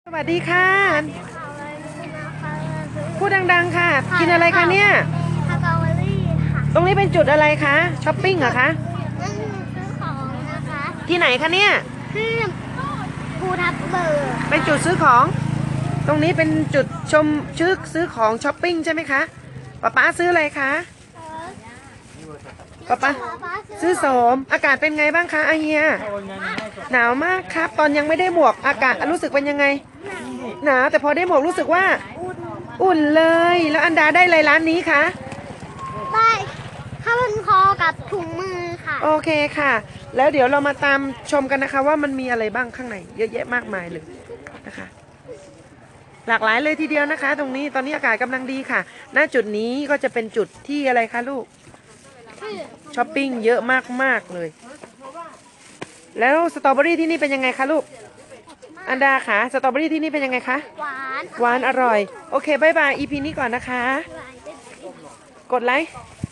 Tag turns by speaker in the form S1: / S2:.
S1: สวัสดีค่ะพูดดังๆค่ะกินอะไรคะเนี่ย
S2: สตรอเบอรี่ค่ะ
S1: ตรงนี้เป็นจุดอะไรคะช้อปปิ้งเหรอคะ
S2: นั่นซื้อของนะคะ
S1: ที่ไหนคะเนี่ย
S2: ที่ภูทับเบิก
S1: เป็นจุดซื้อของตรงนี้เป็นจุดชมซื้อของช้อปปิ้งใช่ไหมคะป๊าซื้ออะไรคะป๊าซื้อโสมอากาศเป็นไงบ้างคะอาเฮียหนาวมากครับตอนยังไม่ได้หมวกอากาศรู้สึกเป็นยังไงหนาวแต่พอได้หมวกรู้สึกว่าอุ่นเลยแล้วอันดาได้อะไรร้านนี้คะ
S2: ได้ข้าวพันคอกับถุงมือค่ะ
S1: โอเคค่ะ แล้วเดี๋ยวเรามาตามชมกันนะคะว่ามันมีอะไรบ้างข้างในเยอะแยะมากมายเลยนะคะ หลากหลายเลยทีเดียวนะคะ ตรงนี้ตอนนี้อากาศกำลังดีค่ะณจุดนี้ก็จะเป็นจุดที่อะไรคะลูกช้อปปิ้งเยอะมากๆเลย แล้วสตรอเบอรี่ที่นี่เป็นยังไงคะลูกอันดาคะสตรอเบอรี่ที่นี่เป็นยังไงคะ
S2: หวาน
S1: หวานอร่อยโอเคบายบาย EP นี้ก่อนนะคะ กดไลค์